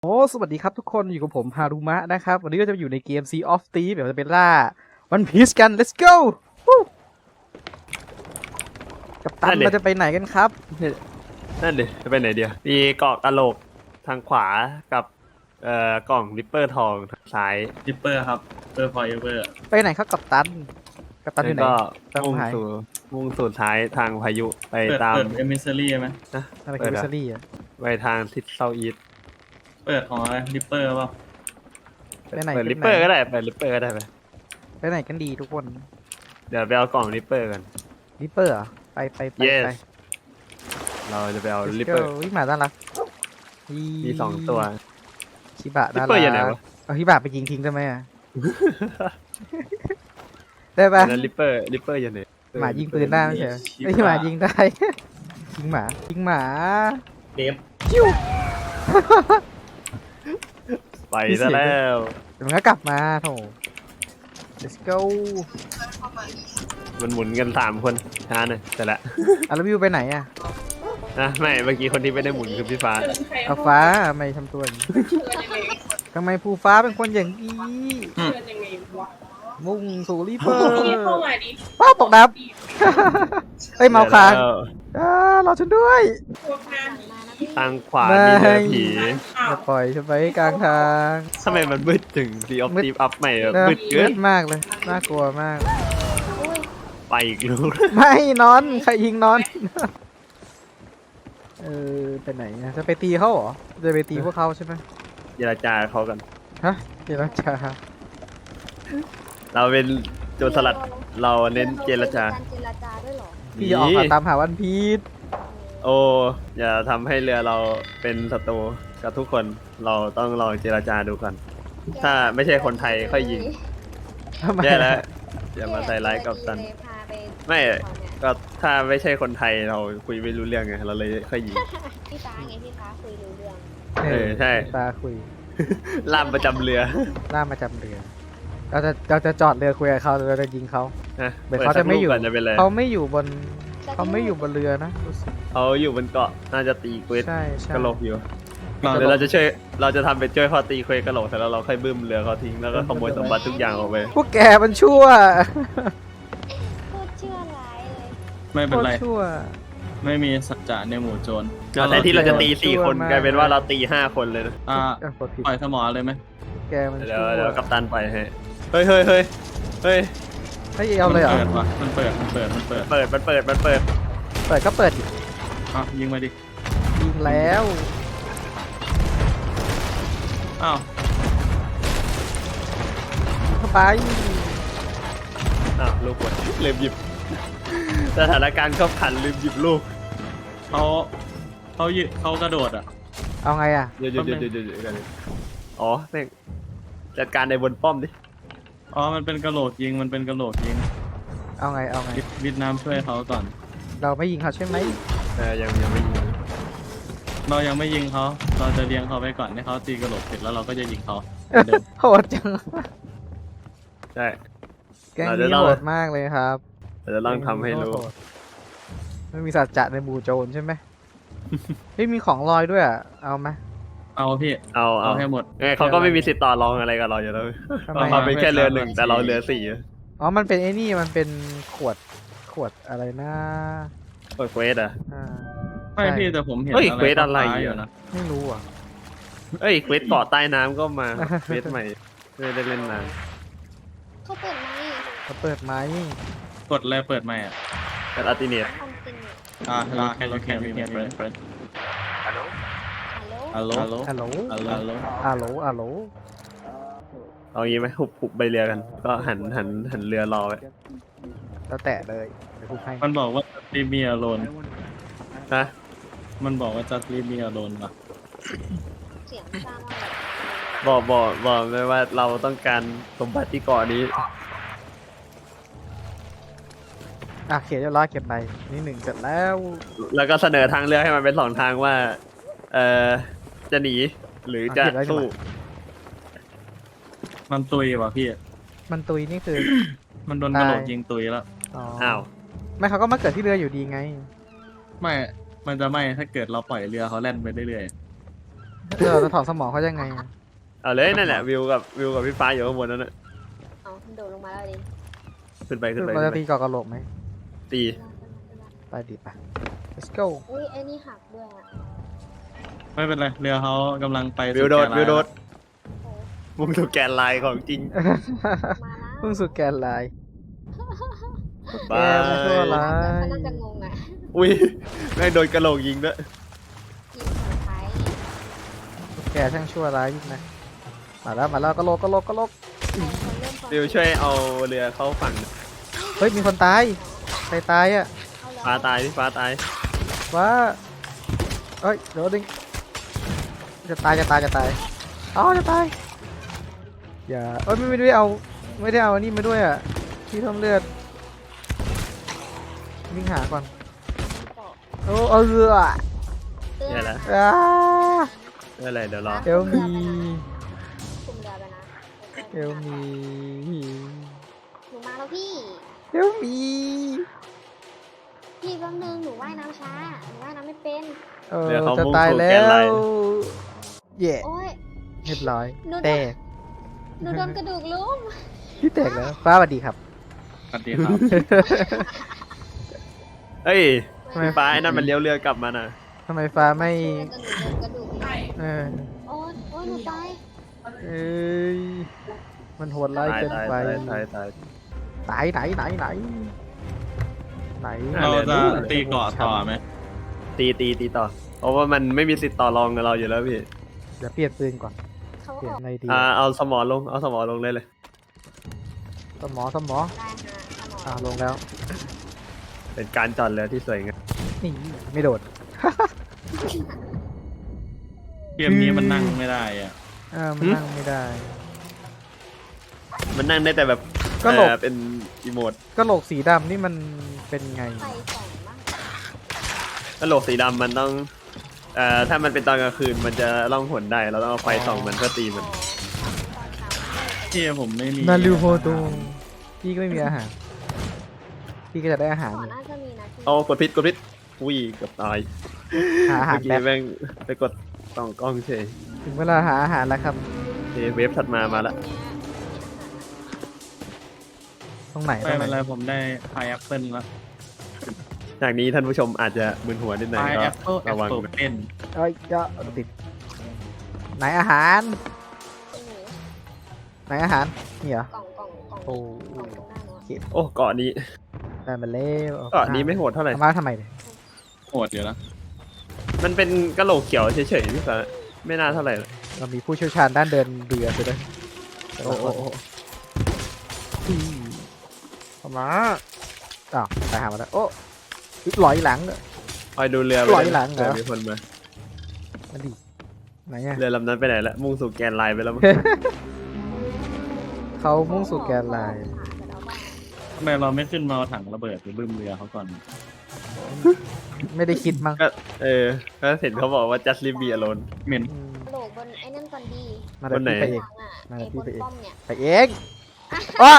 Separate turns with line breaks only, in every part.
สวัสดีครับทุกคนอยู่กับผมฮารุมะนะครับวันนี้ก็จะอยู่ในเกม Sea of Thieves เดี๋ยวจะไปล่า One Piece กัน let's go วู้กัปตันเราจะไปไหนกันครับ
นั่นดิจะไปไหนเดียวมีเกาะกะโหลกทางขวากับกล่องริปเปอร์ทองทางซ้าย
ดิปเปอร์ครับเปอร์พอยเวอร์
ไปไหนครับกัปตันอยู่ไหน
ก็
ตาม
มุ่ง
หาย
สู่ท้ายทางพายุไป
เปิด
ตาม
เอมิเซอรี่ไหม
นะ
อะไร
เปิ
คือ
ด
วิ
อะ
สลี่อ่ะ
ไปทางทิศเซาท์อีสต์
เปิดของอะไรดิปเปอร์เปล่า
ไปไหน
เปิด
กัน
ริปเปอร์ก็ได้ไปริปเปอร์ก็ได้ไป
ไปไหนกันดีทุกคน
เดี๋ยวไปเอากล่องริปเปอร์กัน
ริปเปอร์ไป
Yes
ไป
เราจะไปเอา
let's
ริป
go
เปอร์
วิ่งมาด้านหลัง
มีสองตัว
ชิบะ
ริ
ด้า
ป
น
เปอร์
ห
ยังไง
ลัง
วะ
เอาชิบะไปยิงทิ้งได้ไหมอ่ะ ได้ปะ
นั้นริปเปอร์ยังไง
หมายิงปืนได้ไม่ใช่เหรอไอ้ยหมายิงได้ ยิงหมา
เดฟ
ไปซะแล้ว
เดี๋ยวมันก็กลับมาโถ let's go
มันหมุนกัน3 คนช้าหน่อยแต่ละ
อ่ะแล้ววิวไปไหนอ่ะ
นะไม่เมื่อกี้คนที่ไม่ได้หมุนคือพี่ฟ้า
เอาฟ้าทำไมทำตัวอย่างนี้ทำไมภูฟ้าเป็นคนอย่างนี้
เดินยังไงวะ
มุ่งสู่รีเปอร์
พี่เข้ามาดิ
ป้าตกน้ำเฮ้ยเมาค้าง
แล้ว
รอฉันด้วย
พวกนั้น
ทางขวามีเรือผี
อ้า
อย่าว ปล่อยฉันไปกลางทาง
ทำไมมันมืดถึงดีออฟ
มืด
ตีฟอัพใหม่อะ
นะ
มืดเกิ
มื
น
ดมากเลยน่ากลัวมาก
ไปอีกลูก
ไม่นอนใครยิงนอนไปไหนอะจะไปตีเขาเหรอจะไปตีพวกเขาใช่ไหม
เจรจาเขากัน
ฮะเจรจา
เราเป็นโจรสลัดเราเน้นเจรจา
เจรจาด้วยเหรอ
พี่จะออกหาตามหาวันพีช
โอ้อย่าทำให้เรือเราเป็นศัตรูกับทุกคนเราต้องลองเจรจาดูก่อน ถ้าไม่ใช่คนไทยค่อยยิง
ทำไม
แย่แล้วอย่ามาใส่ร้ายกับตัน
พาไป
ไม่ก็ถ้าไม่ใช่คนไทยเราคุยไม่รู้เรื่องไงเราเลยค่อยยิง
พี่ฟ้าไงพี่ฟ้าคุยรู้เรื่อง
ใช่
ตาคุย
ล่ามประจำเรือ
ล่ามาจำเรือเราจะจอดเรือคุยกับเขาเราจะยิงเขา
นะ
เหมือนเขาจะไม่อยู่
ปิดสักรูปก่นจะเป็นไร
เขาไม่อยู่บนเรือนะรู้สึก
เขาอยู่บนเกาะน่าจะตีเควส
ใช่
กระโหลกอยู่
เรา
เดี๋ยวเราจะทำเป็นช่วยเขาตีเควสกระโหลกเสร็จแล้วเราค่อยบึ้มเรือเขาทิ้งแล้วก็ขโมยสมบัติทุกอย่างออกไป
พวกแกมันชั่ว
พูดเชื่อร้ายเลย
ไม่เป็นไร
โคตชั่ว
ไม่มีสัจจะในหมู่โจร
แต่ที่เราจะตี4 คน
ชั่วมาก
กลายเป็นว่าเราตี5 คนเลยนะ
กดผิด
ปล่อยสมอเลยไหม
แกมัน
เดี๋ย
ชั่
ว
ว
เดี๋ยวกัปตันไปให้เฮ้ย
ให้เอาเลยเหรอ
เปิดวะมันเปิด
เปิดมันเปิด
เปิดก็เปิดดิ
ยิงมาดิ
ยิงแล้ว
อ้าว
เข้าไป
อ้าวลูกหมดลืมหยิบสถานการณ์ก็ผันลืมหยิบลูก
เขากระโดดอ่ะ
เอาไงอ่ะ
เดี๋ยวกันอ๋อแม่งจัดการในบนป้อมดิ
มันเป็นกระโหลกยิง
เอาไง
วิดน้ำช่วยเขาก่อน
เราไม่ยิงเขาใช่ไหม
ยังไม่ยิง
เรายังไม่ยิงเขาเราจะเลี้ยงเขาไปก่อนให้เขาตีกระโหลกเสร็จแล้วเราก็จะยิงเขาเดิม
โหดจัง
ใช่
แกง
เราจะ
นี้
ต้อง
โหดมากเลยครับ
เราจะต้องทำให้รู้
ไม่มีสัจจะในหมู่โจรใช่ไหม ไม่มีของลอยด้วยอ่ะเอาไหม
เอาพี่
เอา
ให้หมด
เขาก็ไม่มีสิทธิ์ต่อรองอะไรกับเราอยู่แล้ว
ทำไม
เขาเป็นแค่เรือ
ไม่
1แต่เราเรือ4
อ๋อมันเป็นไอ้นี่มันเป็นขวดอะไรนะ
เปิดเควสอ่ะ
อ่า
ไม่พี่แต่ผมเห็น
เฮ้ย
อะไร
เควสอะไร
ฟ้าๆ
อ่ะ
อยู่นะ
ไม่รู้อ่ะ
เอ้ยเควสเกาะใต้น้ำก็มาเควสใหม่ไม่ได้เล่นนาน
เขาเปิดไหม
เขาเปิดไหม
กดอะไรเปิดใหม่อ่ะ
กับอัลติเนีย
คอมติน
ลาแค่เราแค่มีเพื่อน
ฮัลโหล
ฮัลโหล
ฮัลโหล
ฮัลโหล
ฮัลโหล
เอางี้ไหมหุบใบเรือกัน ก็หันเรือรอไว้
แล้วแตะเลยเดี๋ยวพูดให้
มันบอกว่าจะรีเมียโลน
ฮะ
มันบอกว่าจะรีเมียโลนป่ะ
เสียงซ่ามากเลย
บอกเลยว่าเราต้องการสมบัติที่เกาะนี้
อ่ะเขียนเรียบร้อยเก็บไปนี่1เสร็จแล้ว
แล้วก็เสนอทางเลือกให้มันเป็น2 ทางว่า จะหนีหรือจะสู้
มันตุยว่ะพี่
มันตุยนี่คือ
มันโดนกระโหลกยิงตุยแล้ว
อ้าว
ไม่เขาก็มาเกิดที่เรืออยู่ดีไง
ไม่ มันจะไม่ถ้าเกิดเราปล่อยเรือเขาแล่นไปเรื่อย
เราจะถอนสมองเขายังไงอะ
เอาเลยนั่นแหละวิวกับพี่ฟ้าอยู่ข้างบนนั่นน่ะ
เอาโดดลงมาแล้วดิ
ขึ้นไปขึ้นไป
เรา
ขึ้
จะ
นไป
ตีก่อกระโหลกไหม
ตี
ไปดิไป let's go
อุ้ยไอ้นี่หักด้วยอ่ะ
ไม่เป็นไรเรือเขากำลังไป
วิวโดด
สู่แกน
วิวโดด
โอ้
มุ่งสู่แกนไลน์ของจริง
มาแล้ว
เพิ่งสุดแกนไลน์
บาย
ไม่ชั่วร้า
เขา
ย
น่าจะงงอ่ะ
อุ้ยแม่งโดนกระโหลกยิงด้วย
ยิงหัวท้าย
แกช่างชั่วร้ายยิ่งนะมาแล้วกระโหลก
คนเริ่มความ
วิวช่วยเอาเรือเข้าฝั่ง
เฮ้ยมีคนตายใครตายอ่ะ
เอาแล้ว
ฟ้าตายพี่ฟ้าตาย
ว้าเอ้ยเดี๋ยวดึงจะตายอ๋อจะตายอย่าเอ้ยไม่ได้เอาอันนี้มาด้วยอ่ะที่เพิ่มเลือดวิ่งหาก่อนโอ้เอาเรือ
เนี่ยแหละ
อ้า
นี่แหละเดี๋ยวรอ
เอลมี
คุมเรือไปนะ
เอลมี
หนูมาแล้วพี่
เอลมี
พี่แป๊บนึงหนูว่ายน้ำช้าหนูว่ายน้ำไม่เป็น
จะตายแล้ว เย่
โอ้ย
เรียบร้อย
หนู
แตก
หนูโดนกระดูกลุ่ม
พี่แตกแล้วฟ้าสวัสดีครับ
สวัสดีครับ
เอ้ย
ทำไม
พี่ฟ้าไอ้นั่นมันเลี้ยวเรือกลับมาน่ะ
ทำไมฟ้าไม่
กระดูก
ใช่
เออ
โอ้ยโอ้ยหนูตาย
เอ้ยมันโหดร้าย
ตาย
เกิน
ตาย
ไป
ตายตายตาย
ไหน
เราจะตีเกาะต่อไหม
ตีต่อ เพราะว่ามันไม่มีสิทธิ์ต่อรองกับเราอยู่แล้วพี่
เดี๋ยวเปลี่ยนปืนก่อน
เขา
เปลี่ยน
ออก
ในดี
เอาสมอลงเลยเลย
สมอ
ได้ฮะสมอง
ลงแล้ว
เป็นการจอดเรือที่สวยงาม
นี่ไม่โดด
เกมนี้มันนั่งไม่ได้อ่ะ
มันนั่งไม่ได้
มันนั่งได้แต่แบบ
ก็หลบ
เป็นอีโมด
ก็โหลกสีดำนี่มันเป็นไง
ไฟส่องบ้าง
กระโหลกสีดำมันต้องถ้ามันเป็นตอนกลางคืนมันจะล่องหนได้ เราต้องเอาไฟส่องมันเพื่อตีมัน
ที่ผมไม่มี
นารูโฮโตพี่ก็ไม่มีอาหาร พี่ก็จะได้อาหาร
ก่อ
อน ยู่
น่าจะมีนะพี่
เอากดพิษอุ้ยเกือบตาย
หาอาหาร
เมื่อ
แป๊
กี้
บ
แม่งไปกดส่องกล้องเฉย
ถึงเวลาหาอาหารแล้วครับ
เวฟถัดมาแล้ว
ตรงไหน
ไม่เป็นไรผมได้พายแอปเปิลแล้ว
จากนี้ท่านผู้ชมอาจจะมึนหัวนิดหน่อย
พาย
ก็
แอปเปิลแอ
ระ
ป
วัง
เปิล
นะ
เป็น
เอ้ยก็ติด ไหนอาหาร ไหนอาหารนี่เหรอก
ล่อง
โอ้
กล่องตรงหน้าหนูอะ
โอ้เกาะนี้
ได้มาแล้ว
เกาะนี้ไม่โหดเท่าไหร่
เอามาทำไมเนี่ย
โหดอยู่แล้ว
มันเป็นกระโหลกเขียวเฉยๆพี่ฟ้าไม่น่าเท่าไหร่หรอก
เรามีผู้เชี่ยวชาญด้านเดินเรือไปด้วย
โอ้โห
เอามาอ้าวตายหามาแล้วโอ้ลอยหลังเลย
คอยดูเรือ
ปล่อยหลังเหรอ
เรือมีคนมา
มาดิไหนอะ
เรือลำนั้นไปไหนละมุ่งสู่แกนไลน์ไปแล้วมั้ง
เขามุ่งสู่แกนไลน์
ทำไมเราไม่ขึ้นมาเอาถังระเบิดไปบึ้มเรือเขาก่อน
ไม่ได้คิดมั้ง
ก็ก็เห็นเขาบอกว่า just leave me alone
เหม็น
อืม
โหลกบนไอ้นั่นก่อนดี
มาเดี๋ยว
คนไหน
พี่ไปเอง
หลังอ่ะ
มา
ไอ้
พี่
บน
ไปเอง
ป้อมเนี่ย
ไปเองว้า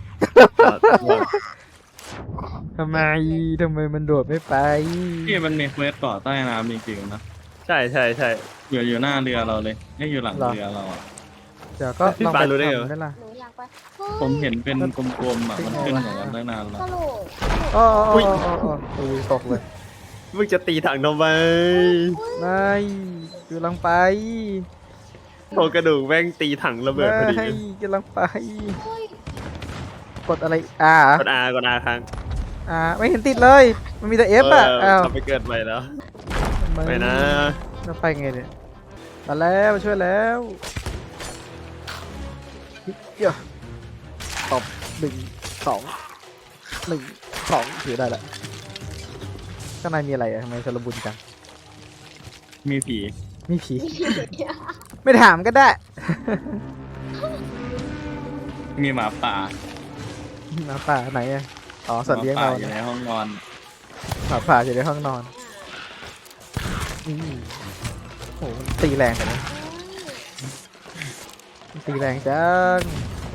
ทำไมมันโดดไม่ไป
ที่มันมีเควสเกาะใต้น้ำจริงๆนะ
ใช่
อยู่หน้าเรือเราเลยไม่อยู่หลังเรือเราอะ
เดี๋ยวก็
พี่
ลอง
ปา
ไป
รู้ได้ไง
ทำ
วะ
ได้ล่ะ
หนูอยากไป
ผมเห็นเป็นกลมๆอ่ะมันขึ้นอย่างนั้นตั้งนานแล้ว
กระโหลก
อ๋ออุ้ยตกเลย
มึงจะตีถังทำไม
ไม่กำลังไป
โครงกระดูกแม่งตีถังระเบิดพอดี
ไม่กำลังไป
เฮ้ย
กดอะไร
กด R ค้าง
ไม่เห็นติดเลย มันมีแต่ F อ่ะอ้าว
เขาไปเกิดใหม่แล้ว ไปนะ
เราไปไงเนี่ยมาแล้วช่วยแล้วเดี๋ยวตบ1 2ถือได้ละข้างในมีอะไรอะทำไมสารบุญจัง
มีผี
มีผี ไม่ถามก็ได้
มีหมาป่า
หมาป่าไหนอะอ๋อสัตว์เลี้ยง
หมา
เรา
ป่าอยู่ใน
เนี่ย
ห้องนอน
หมาป่าอยู่ในห้องนอนโอ้โหมันตีแรงกันนะมันตีแรงจังโอ้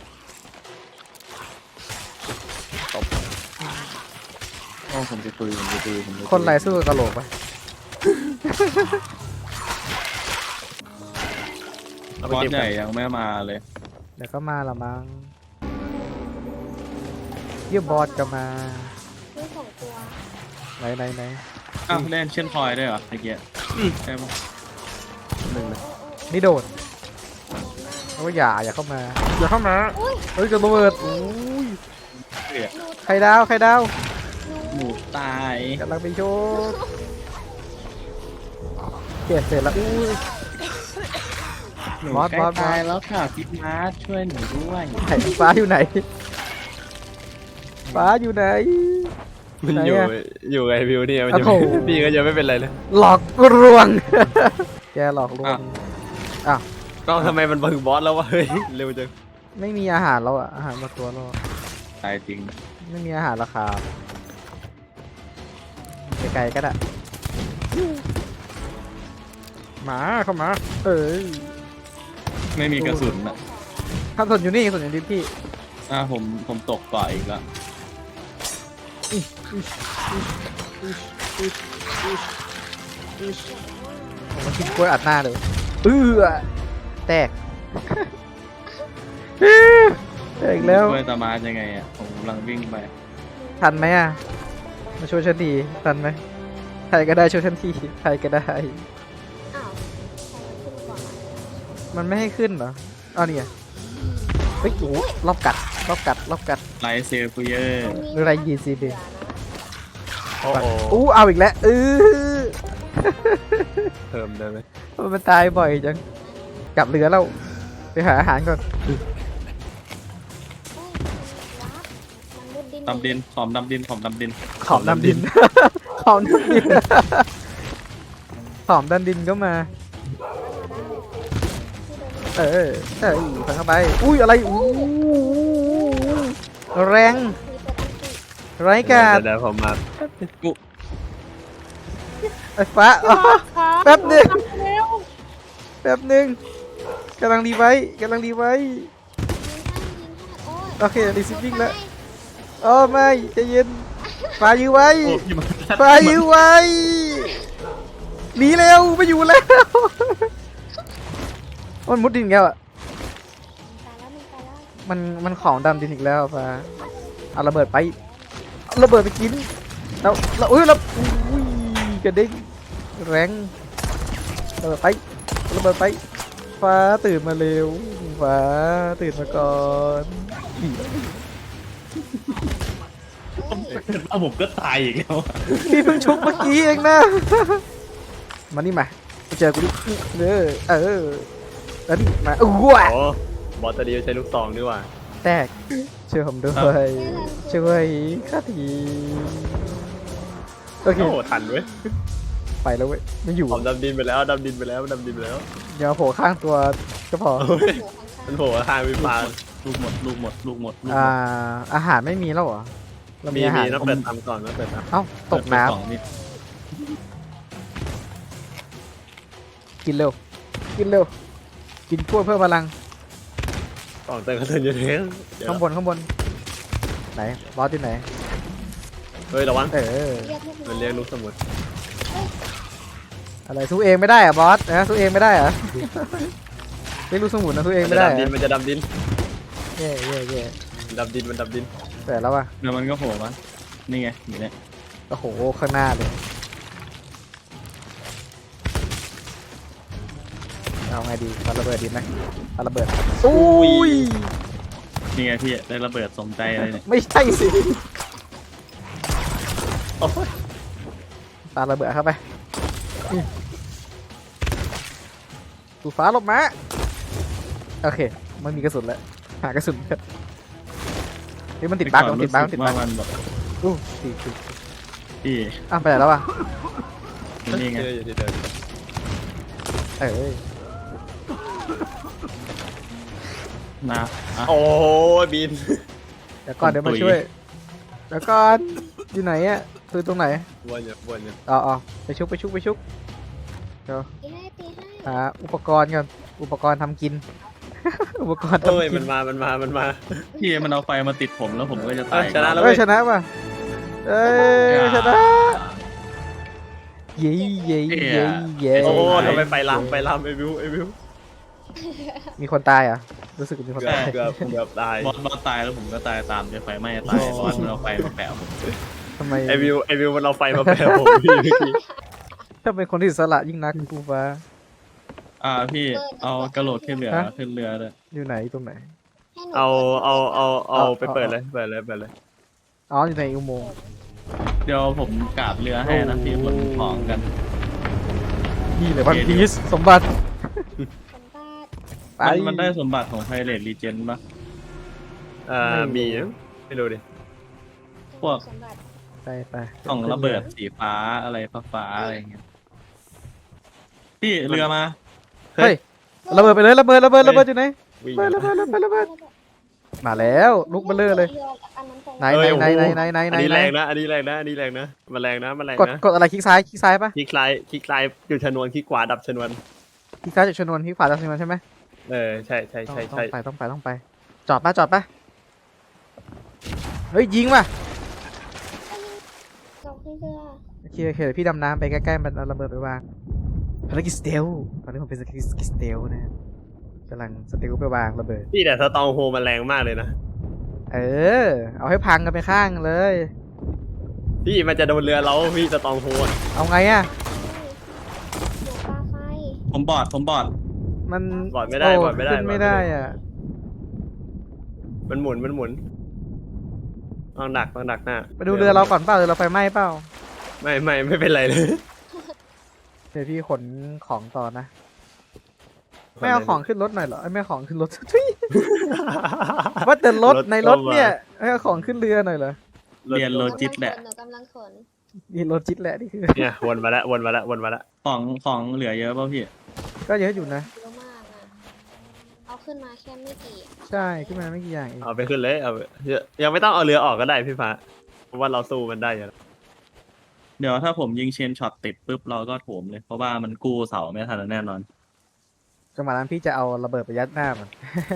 โอ้ผมจะตุย
คนไรสู้กับกะโหลกปะ
เอาไป
บอส
เก็บ
ให
กั
ญ่
น
ยังไม่มาเลย
เดี๋ยวก็มาละมั้งเยี่ยบอสก็มา
มีสองตัว
ไหน
อ้าวเล่นเช่นพลอยได้วยเหรอไอ้เกียใช่ปะ
หนึ่งเลยนี่โดดโอ้ยอย่าเข้ามาเฮ้ยจะระเบิดอุ้ย
เกลียด
ไข่ดาว
หมูตาย
กำลังไปโชว์เก็บเสร็จแล้วอุ้ย
หนู
บอส
ใกล้
บอส
ตายแล้วค่ะพี่มาร์ทช่วยหนูด้วย
ไหนฟ้าอยู่ไหนฟ้าอยู่ไหน
มัน
ไหน
อยู่
อะ
อยู่ไอวิวเนี่ยมันจะ
โอ้โห
พี่ก็จะไม่เป็นไรเลย
หลอกลวง แกหลอกลวงอ้าว
ก็ทำไมมันบึงบอสแล้ววะเฮ้ยเร็วจัง
ไม่มีอาหารแล้วอะอาหารมาตัวแล้วอะ
ตายจริง
ไม่มีอาหารราคาไกลๆก็ได้หมาเข้ามาเอ้ย
ไม่มีกระสุนอ่ะ
ท่านสนอยู่นี่สนอยู่ที่พี่
ผมตกก่อนอีกแล้ว
ผมมากินกล้วยอัดหน้าเลยแตก แตกแล้ว
ช่วยตามาร์ทยังไงอ่ะผมกำลังวิ่งไป
ทันไหมอ่ะ มาช่วยฉันดีทันไหมใครก็ได้ช่วยฉันทีใครก็ได้
อ้าวใครขึ้นก่อนอะ
มันไม่ให้ขึ้นเหรออ้าวนี่ไงเฮ้ยโอ้โหรอบกัด
ไลท์เซฟเยอร์
มันมี
หรืออะไรยีซีดี
โอ้โห
อู้เอาอีกแล้ว
เพิ่มได้ไหม
มันตายบ่อยจัง กลับเรือแล้ว ไปหาอาหารก่อน
ดำดินขอมดำดิน
ขอมดำดิน ขอมดำดิน ขอมดำดินก็มา ฟังเข้าไป อุ้ยอะไรอู้แรงไร้กาด
เดี๋ยวผมมา
ไอ้ฟ้าอ๋อแป๊บหนึ่งกำลังรีไว้โอเครีซิฟวิ่งแล้วอ๋อไม่ใจเย็นฟ้ายื้อไว้
โอ้พี่มา
ฟ้ายื้อไว้หนีเร็วไม่อยู่แล้วมันมุดดินอีกแล้วอ่ะ มันของดำดินอีกแล้วฟ้าเอาระเบิดไปกินแล้วอุ้ยกระเด้งแรงระเบิดไปฟ้าตื่นมาเร็วฟ้าตื่นมาก่อน
เอาผมก็ตายอีกแล้ว
พี่เพิ่งชุบเมื่อกี้เองนะ มานี่มาเจอกูดิแล้วนี่มาอ้ว
โอ้บอสตัวเดียวใช้ลูกซองดีกว่า
แตกช่วยผมด้วยช่วยข้าทีโอเค
โอ้โหทันเว้ย
ไปแล้วเว้ยไม่อยู่
ผมดำดินไปแล้วดำดินไปแล้ว
เดี๋ยวโผล่ข้างตัวก็พอ
โอ้ยมันโผล่ข้างพี่ปา
ลูกหมด
อาหารไม่มีแล้วเหรอเรา
มี
มีอาหาร
ต้องเปิดทำก่อนต้องเปิดท
เอ้าตกน้
เปิดไปสองนี่
ำกินเร็วกินกล้วยเพิ่มพลัง
ำกล่องเติมกระสุนอยู่เท้งเดี๋ยว
ข้างบนไหนบอสที่ไหน
เฮ้ยระวัง
เรียกลูก
มันเรียกลูกสมุน
อะไรสู้เองไม่ได้อะบอสนะสู้เองไม่ได้เหรอะ เรียกลูกสมุนนะสู้เอง
มัน
ไม่
จะ
ได้
ดำ
เหร
ดิน
อ
มันจะดำดิน
เย่
มันดำดิน
แต่แล้วอะ
เดี๋ยวมันก็โผล่มานี่ไงอยู่เนี่ย
โอ้โหข้างหน้าเลยเอาไงดีปาระเบิดดีไหมปาระเบิดอุ้ย
นี่ไงพี่ได้ระเบิดสมใจเลยเนี่ย
ไม่ใช่สิ
โอ้ย
ปาระเบิดเข้าไปตูฟ้าหลบมาโอเคมันมีกระสุนแล้วหากระสุนเถอะเฮ้ยมันติดบั๊ก
ก่อ
มันติดบั๊ก
รู้สึว่ามันแบบ
อู้ติด
พี่
ไปไหนแล้ววะ
นี่ไง
เจออยู่ที่เดิม
เอ้ย
นะอ่ะ
โอ้ยบิน
เดี๋ยวก่อนเดี๋ยวมาช่วยเดี๋ยวก่อนอยู่ไหนอะตัวตรงไหน
วนอยู่
อ๋อไปชุบเดี๋ยว
ตีให้
หาอุปกรณ์ก่อนอุปกรณ์ทำกิน อุปกรณ์
เอ้ย
ทำกิ
มันมา
พี่มันเอาไฟมาติดผมแล้วผมก็จะตาย
ชนะแล้ว
เอ้ยชนะป่ะเอ้ยชนะเย้
โอ้ทำไมไปลามไอวิว
มีคนตายเหรอ่ะรู้สึกมีคน
เกือบ
ตาย
เกือบเกือบตาย
บอสตายแล้วผมก็ตายตามจะไฟไหม้ตายบอสมันเอาไฟมาแปะผม
ทำไม
ไอวิวมันเอาไฟมาแปะผมพี่เมื่อกี้
ถ้าเป็นคนที่อิสละยิ่งนักกูฟ้า
พี่เอากระโหลกขึ้นเรือขึ้นเรือเลย
อยู่ไหนตรงไหน
ให้หนู
เอาไปเปิดเลยเปิดเลย
อ๋ออยู่ในอุโมงค์
เดี๋ยวผมกราบเรือให้นะพี่คนของกัน
นี่เลยวันพีซสมบัติ
สมบัติ
ไป
มันได้สมบัติของไพเรตรีเจนปะ
มีไม่รู้ดิ
พวก
สมบัติ
ไป
กล่องระเบิดสีฟ้าอะไรฟ้าอะไรอย่างเงี้ยพี่เรือมา
เฮ้ยระเบิดไปเลยระเบิดอยู่ไหน
วิ่ง
ระเบิดมาแล้วลุกมาเลย
อันนั้นของ
ไหน
เอ้ย
ไหน
โอ้โห
ไหน
อันนี้แรงนะอันนี้แรงนะมันแรงนะ
กดอะไรคลิกซ้าย
คลิกซ้ายจุดชนวนคลิกขวาดับชนวน
คลิกซ้ายจากชนวนคลิกขวาจากชนวนใช่ไหม
ใช่
ต้องไปจอดป่ะเฮ้ยยิงว่ะ
เราขึ้นเรือ
โอเคเดี๋ยวพี่ดำน้ำไปใกล้ๆมันเอาระเบิดไปวางภารกิจสเตลตอนนี้ผมเป็นสกิลสเตลนะกำลังสเตลไปวางระเบิด
พี่แต่สตองโฮมันแรงมากเลยนะ
เอาให้พังกันไปข้างเลย
พี่มันจะโดนเรือเราพี่สตองโฮ
เอาไงอ่ะ
หนูปลาไฟ
ผมบอด
มัน
บอดไม่ได้
ขึ้นไม่ได้อ่ะ
มันหมุนต้องดักหน้า
ไปดูเรือเราก่อนเปล่าเรือเราไฟไหม้เปล่า
ไม่เป็นไรเลย
เดี๋ยวพี่ขนของต่อนะไม่เอาของขึ้นรถหน่อยเหรอไม่เอาของขึ้นรถ ว่าแต่รถในรถเนี่ยไม่เอาของขึ้นเรือหน่อยเหรอ
เรียนโลจิตแหละ
หนูกำลังขน
นี่รถจิตแหละนี่คือ
เนี่ยวนมาแล้ว
ของเหลือเยอะป่ะพี่
ก็เยอะอยู่นะ
เยอะมากอ่ะเอาขึ้นมาแค่ไม่กี่อะ
ใช่ขึ้นมาไม่กี่อย่างเอง
เอาไปขึ้นเลยเอายังไม่ต้องเอาเรือออกก็ได้พี่ฟ้าเพราะว่าเราสู้มันได้อยู่แล้ว
เดี๋ยวถ้าผมยิงเชนช็อตติดปุ๊บเราก็โถมเลย เพราะว่ามันกู้เสาไม่ทันแน่นอน
จังหวะนั้นพี่จะเอาระเบิดไปยัดหน้ามัน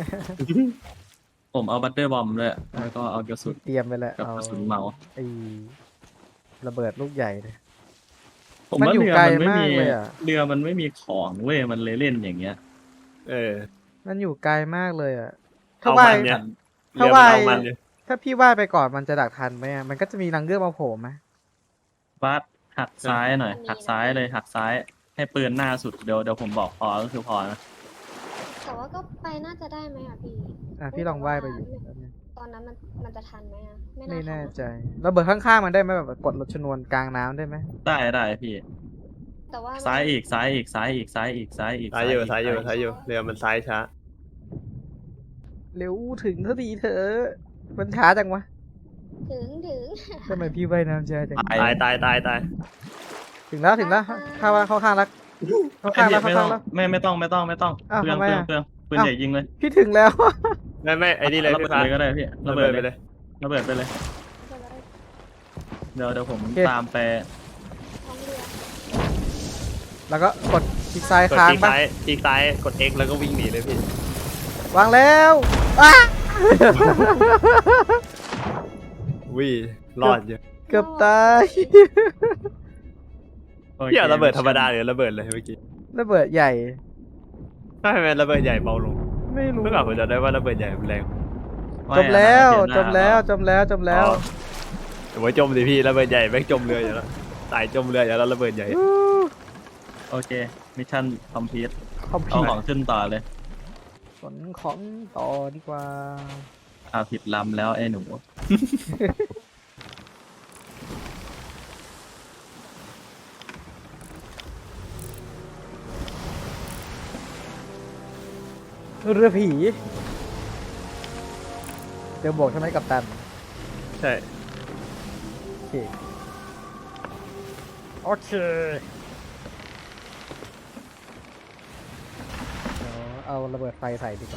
ผมเอาบัตเตอร์บอมด้วยแล้วก็เอากระสุน
เตรียมไปแล้ว
กับ
เอา
กระสุนเมาส์
ไอ้ระเบิดลูกใหญ่เลย
ผม
มัน
ว่า
อยู่
เรือ
ไกล
มันไม่
มาก
มี
เลยอะ
เรือมันไม่มีของเว้ยมันเลยเล่นอย่างเงี้ย
มันอยู่ไกลมากเลยอ่ะถ้า
เอา
ว่าย
มันเนี่ย
ถ้า
เรือ
ว่า
มัน
ย
เอามันเนี่ย
ถ้าพี่ว่ายไปก่อนมันจะดักทันไหมอะมันก็จะมีนางเงือกมาโผล่ไหม
บัสหักซ้ายหน่อยหักซ้ายเลยหักซ้ายให้ปืนหน้าสุดเดี๋ยวผมบอกพอก็คือพอนะ
แต่ว่าก็ไปน่าจะได้ไหมอ่ะพี่
พี่ลองว่ายไปอยู่
ตอนนั้นมันจะทันไหมอ่ะไม่
ไม่
น่า
แน่
ทัน
ใจระเบิดข้างๆมันได้ไหมแบบกดรถชนวนกลางน้ำได้ไหม
ได้พี่
แต่ว่า
ซ้ายอีก
ซ้ายอยู่เรือมันซ้ายช้า
เร็วถึงสักทีเถอะมันช้าจังวะ
ถึง
ทำไมพี่ว่ายน้ำช้าจัง
ตาย
ตาย
ถึงแล้วเข้าข้างแล้วเข้าข้างแล้ว
ไม่ต้องไม่ต้อง
อ้าว
เปลือง
ทำไมอะ
ปืนใหญ่ยิงเลย
พี่ถึงแล้ว
ไม่ไอ้นี่เลย
ระเบิ
พี่
ด
ฟ้า
เลยก็ได้พี่ระเบิด
ไป
เล
เลย ย
ระเบิดไปเลยเดี๋ยวผม
โอเค
ตามไป
ท้องเรือ
แล้วก็กดคลิกซ้าย
กด
ค้าง
คลิก
ปะ
ซ้ายกด X แล้วก็วิ่งหนีเลยพี่
วางแล้วอ้า
วิ่งรอดอยู่
เกือบตาย
โอค
พี่เอาระเบิดธรรมดาหรือระเบิดเลยเมื่อกี้
ระเบิดใหญ่
ถ้าเป็นระเบิดใหญ่เบาลง
ไม่รู้
เมื่อก่อนผมจะได้ว่าระเบิดใหญ่มันแรง
จมแล้ว
ไม่
จมแล้ว
โอ้ยจมสิพี่ระเบิดใหญ่แม่งจมเรืออยู่แล้วตายจมเรืออยู่แล้วระเบิดใหญ่
โอเคมิชชั่นคอมพลีท
คอมพิ
เอา
ว
ของขึ้นต่อเลย
ขนของต่อดีกว่า
ผิดลำแล้วไอ้หนู
เรือผีเดี๋ยวบอกใช่ไหมกัปตัน
ใช่
โอเคเดี๋ยวเอาระเบิดไฟใส่ดีกว่า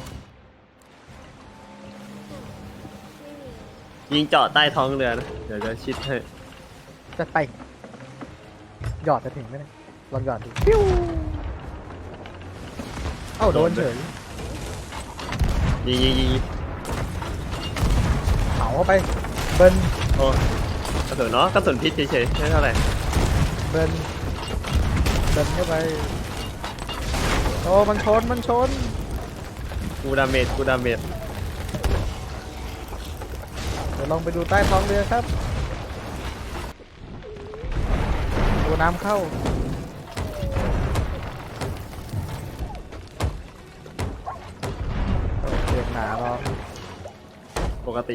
ไม่มี
ยิงเจาะใต้ท้องเรือนะเดี๋ยวจะชิดให้
จัดไปหยอดจะถึงไหมเนี่ยลองหยอดดูปิ้วเอ้าโดนเฉย
ยิง
เผาเข้าไปเบิ้ล
โอ้กระสุนเนาะกระสุนพิษเฉยๆไม่เท่าไหร่
เบิ้ลเข้าไปโอ้มันชน
กูดาเมจกูดาเมจ
เดี๋ยวลองไปดูใต้ท้องเรือครับดูน้ำเข้าโอเคหนาเรา
ปกติ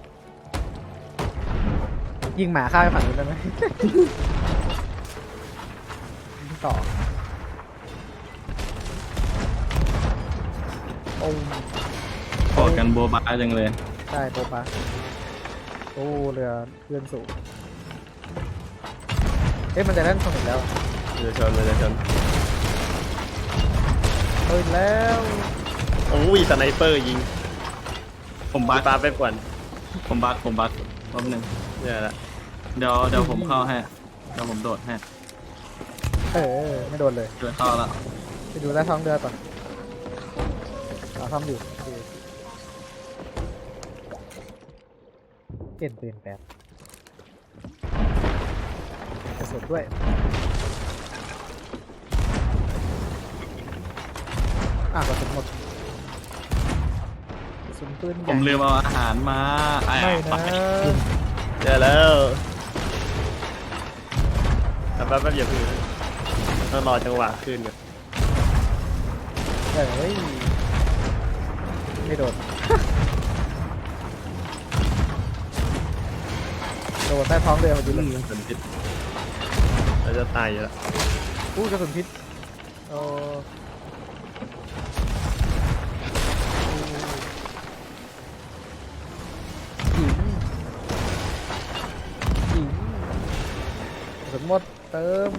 ยิงหมาข้ามไปฝั่งนู้นได้ไหม ยิงต่อโอ้
กอดกันโบบาจังเลย
ใช่โป๊ะปะโอ้เรือเคลื่อนสูงเอ๊ะมันจะเล่นส่งอีกแล้ว
มันจะชนมันจะชน
เฮ้ยแล้ว
โอ้ยสไนเปอร์ยิง
ผมบัก
ปาไปก่อน
ผมบักแป๊บนึง
เนี่ยแหละ
เดี๋ยวผมเข้าให้เดี๋ยวผมโดดให้
ไม่โดนเลย
เดินเข้าแล้ว
ไปดูใต้ท้องเรือก่อนทำอยู่โอเคเปลี่ยนปืนแป๊บกระสุนด้วยกระสุนหมดกระสุนปืนให
ผ
ญ่
มลืมเอาอาหารมา
ไม่นะ
เจอแล้วแต่แป๊บอย่าพึ่งต้องรอจังหวะขึ้นก่อน
เฮ้ยไม่โดน โดนใต้ท้องเรือพอดีเลย
กระสุนพิษเราจะตายอยู่แล้ว
อู้กระสุนพิษโอ้ยิงกระสุนหมดเติม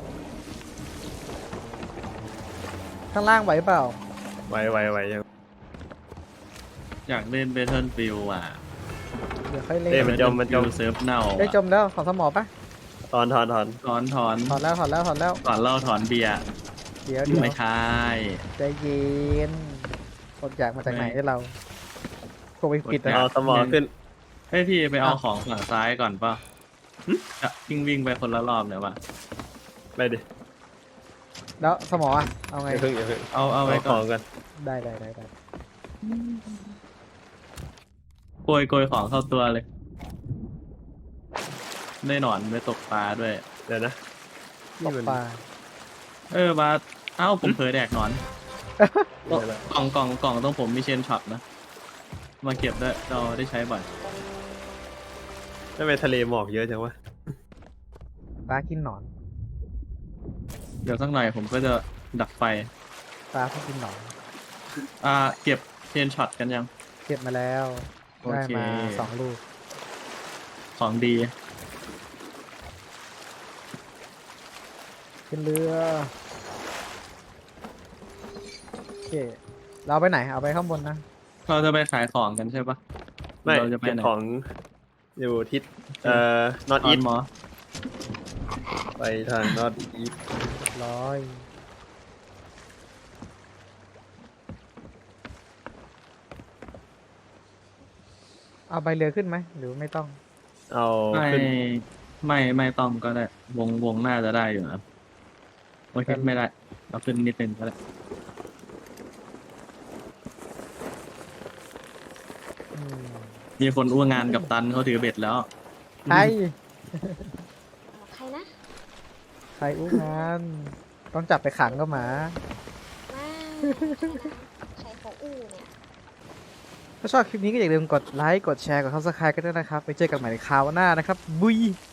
ข้างล่างไหวเปล่า
ไวยัง
อยากเล่นเบทเทิลฟิลอ่ะ
เดี๋ยวค่อยเล่
เล่น
น
มันจม
Battlefield เซิร์ฟเน่า
ได้จมแล้วขอสมอปะ
ถอน
ถอน
ถอนแล้ว
ถอนเหล้าถอนเบียร์
เดี๋ยว
ไม่ใช่
ใจเย็นอดอยากมาจากไหนให้เราโควิดปิด
เอา
นะ
สมองขึ้น
เฮ้ยพี่ไปเอาของฝั่งซ้ายก่อนป่ะจะวิ่งไปคนละรอบเนี่ยป่ะ
ไปดิ
แล้วสมออ่ะเอาไง
อย่าพึ่งอย่าพึ่ง
เอาไว้
ข
ก่อ
อน งกัน
ได้
โกยของเข้าตัวเลย ได้หนอนไม่ตกปลาด้วย
เดี๋ยวนะ
ตกปลา
บาสเอ้าผมเผลอแดกหนอน กล่องต้องผมมีเชนช็อตนะ มาเก็บได้เราได้ใช้บ่อย
ทำไมทะเลหมอกเยอะจังวะ
ปลากินหนอน
เดี๋ยวสักหน่อยผมก็จะดับไฟ
ปลาที่กินหนอน
เก็บเชนช็อตกันยัง
เก็บมาแล้ว
โอ
ได้
เค
มา2 ลูก
ของดี
ขึ้นเรือโอเคเราไปไหนเอาไปข้างบนนะ
เราจะไปขายของกันใช่ปะ
ไม่
เราจะไป
เก็บ
ไหน
ของอยู่ทิศนอต
อ
อี
อ
ท
นหมอ
ไปทางนอตอีท
ร้อยเอาใบเรือขึ้นไหมหรือไม่ต้อง
เอา
ไม่
ขึ้น
ไม่ต้องก็ได้ วงหน้าจะได้อยู่นะโอเคไม่ได้เราขึ้นนิดนึงก็ได้
อืม
มีคนอ้วงงานกับตันเขาถือเบ็ดแล้ว
ใคร
ใครนะ
ใครอู้งาน ต้องจับไปขังก็หมา
มาใครเขาอู้เนี่ย
ถ้าชอบคลิปนี้ก็อย่าลืมกดไลค์ กดแชร์ กด Subscribe กันด้วยนะครับ ไปเจอกันใหม่ในคราวหน้านะครับ บุย